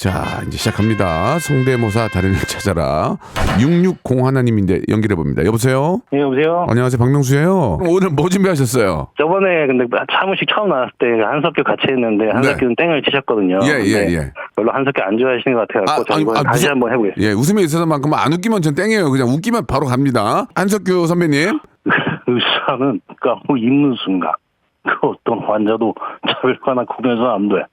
자, 이제 시작합니다. 성대모사 달인을 찾아라. 660 하나님인데 연결해 봅니다. 여보세요? 네, 여보세요? 안녕하세요. 박명수예요. 오늘 뭐 준비하셨어요? 저번에 근데 사무실 처음 나왔을 때 한석규 같이 했는데 한석규는 땡을 치셨거든요. 예. 별로 한석규 안 좋아하시는 것 같아요. 저 이번에 다시 한번 해보겠습니다. 예, 웃음에 있어서만큼 안 웃기면 전 땡이에요. 그냥 웃기면 바로 갑니다. 한석규 선배님. 의사는 까고 입는 순간 그 어떤 환자도 차별화나 구별해서는 안 돼.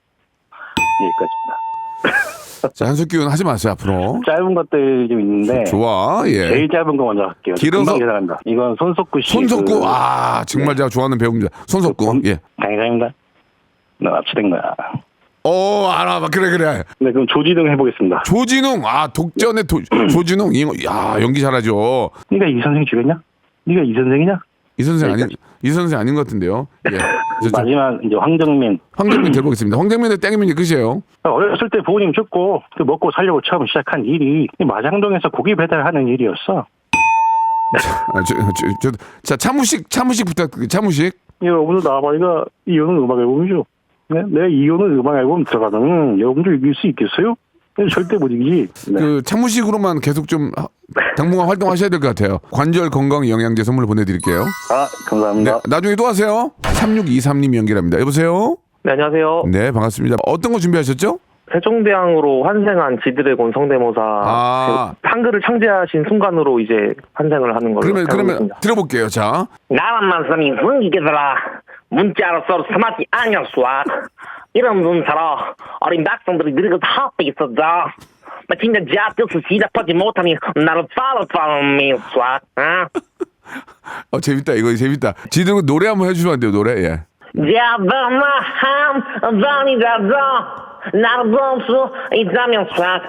여기까지입니다. 자, 한석규는 하지 마세요, 앞으로. 짧은 것들이 좀 있는데 좋아, 예. 제일 짧은 거 먼저 할게요. 길어서- 금방 계산합니다. 이건 손석구 씨. 손석구, 정말 제가 좋아하는 배우입니다. 손석구, 예. 감사합니다. 나 납치된 거야. 알아. 그래. 네, 그럼 조지등 해보겠습니다. 조진웅, 독전의 조진웅, 연기 잘하죠. 네가 이 선생 죽였냐? 네가 이 선생이냐? 이 선생 아닌 것 같은데요. 예. 마지막 이제 황정민. 황정민 들어보겠습니다. 황정민의 땡이면 끝이에요. 어렸을 때 부모님 죽고 그 먹고 살려고 처음 시작한 일이 마장동에서 고기 배달하는 일이었어. 자, 차무식 부탁드립니다. 차무식. 여러분들 나와봐. 이거 이호는 음악 앨범이죠. 네? 내가 이호는 음악 앨범 들어가면 여러분들 이길 수 있겠어요? 절대 못 이기지. 네. 그 차무식으로만 계속 좀 당분간 활동하셔야 될 것 같아요. 관절 건강 영양제 선물 보내드릴게요. 감사합니다. 네, 나중에 또 하세요. 3623님 연결합니다. 여보세요? 네, 안녕하세요. 네, 반갑습니다. 어떤 거 준비하셨죠? 세종대왕으로 환생한 지드래곤 성대모사 한글을 창제하신 순간으로 이제 환생을 하는 걸로 그러면 들어볼게요. 자, 나만 말씀이 흥기게더라 문자로 서로 삼았지 않았어 이런 문자로 어린 백성들이 늙어서 합해 있었죠 마침내 자뜻을 시작하지 못하니 나를 follow me 재밌다. 이거 재밌다. 지금 노래 한번 해주시면 안 돼요? 노래, 예. 잡아마함 전이라도 나를 볼 수 있다면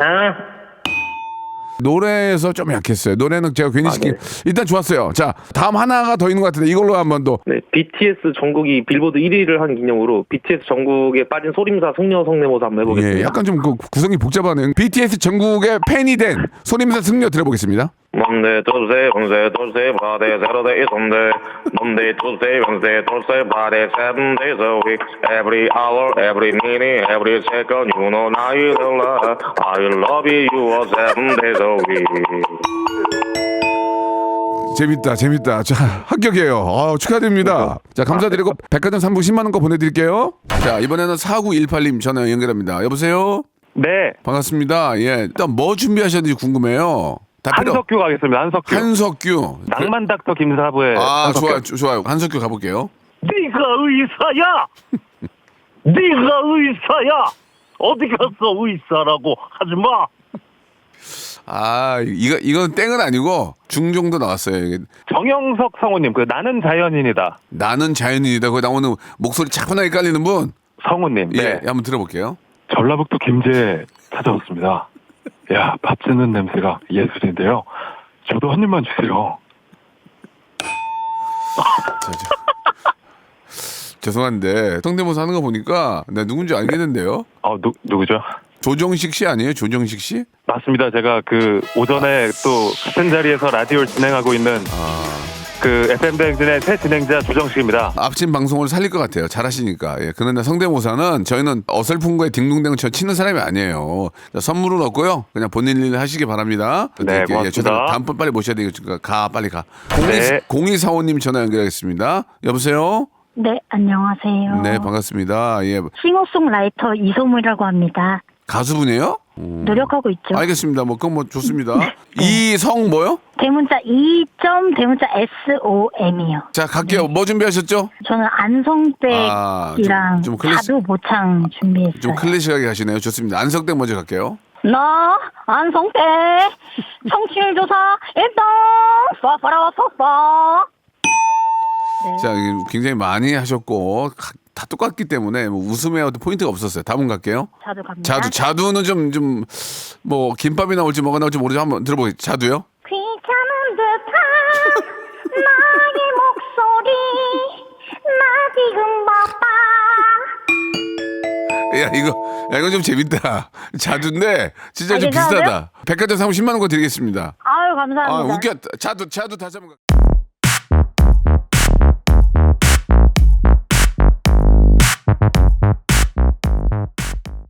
노래에서 좀 약했어요. 노래는 제가 괜히 시킨. 일단 좋았어요. 자, 다음 하나가 더 있는 것 같은데 이걸로 한번 더. 네, BTS 전국이 빌보드 1위를 한 기념으로 BTS 전국에 빠진 소림사 승려 성대모사 한번 해보겠습니다. 예, 약간 좀 그 구성이 복잡하네요. BTS 전국의 팬이 된 소림사 승려 들어보겠습니다. Monday, Tuesday, Wednesday, Thursday, Friday, Saturday, Sunday. Monday, Tuesday, Wednesday, Thursday, Friday, 7 days a week. Every hour, every minute, every second, you know I love you 7 days a week. 재밌다. 자, 합격이에요. 축하드립니다. 자, 감사드리고 백화점 상품 10만 원 거 보내드릴게요. 자, 이번에는 4918님 전화 연결합니다. 여보세요? 네. 반갑습니다. 예, 일단 뭐 준비하셨는지 궁금해요. 한석규 가겠습니다. 한석규. 낭만 닥터 김사부의 한석규. 좋아요. 한석규 가볼게요. 네가 의사야. 네가 의사야. 어디 갔어 의사라고 하지 마. 이건 땡은 아니고 중정도 나왔어요. 이게. 정영석 성우님, 그 나는 자연인이다. 나는 자연인이다. 거기 나오는 목소리 차분하게 깔리는 분. 성우님. 예, 네. 한번 들어볼게요. 전라북도 김제 찾아왔습니다. 야, 밥 짓는 냄새가 예술인데요. 저도 한 입만 주세요. 죄송한데 성대모사 하는 거 보니까 나 누군지 알겠는데요. 누구죠? 조정식 씨 아니에요? 조정식 씨? 맞습니다. 제가 그 오전에 또 같은 자리에서 라디오를 진행하고 있는 그 FM 대행진의 새 진행자 조정식입니다. 앞진 방송을 살릴 것 같아요. 잘하시니까. 예. 그런데 성대모사는 저희는 어설픈 거에 딩동댕을 치는 사람이 아니에요. 자, 선물은 없고요. 그냥 본인 일 하시기 바랍니다. 네, 고맙습니다. 다음번 빨리 모셔야 되니까 빨리 가. 네. 0245님 전화 연결하겠습니다. 여보세요? 네, 안녕하세요. 네, 반갑습니다. 예. 싱어송라이터 이소무라고 합니다. 가수분이에요? 노력하고 있죠. 알겠습니다. 그건 좋습니다. 이성 뭐요? 대문자 2점 대문자 SOM이요. 자, 갈게요. 뭐 준비하셨죠? 저는 안성댁이랑 좀 클래식- 자두 모창 준비했어요. 좀 클래식하게 하시네요. 좋습니다. 안석댁 먼저 갈게요. 나 안성댁 청취율 조사 1등 쏴쏴라 쏴쏴. 네. 자, 굉장히 많이 하셨고 다 똑같기 때문에 뭐 웃음에 어떤 포인트가 없었어요. 다음 갈게요. 자두 갑니다. 자두는 좀 뭐 김밥이 나올지 뭐가 나올지 모르죠. 한번 들어보세요. 자두요? 귀찮은 듯한 나의 목소리 나 지금 바빠. 이거 좀 재밌다. 자두인데 진짜 좀 괜찮으세요? 비슷하다. 백화점 상품 10만 원 거 드리겠습니다. 아유 감사합니다. 웃겨. 자두 다시 한번.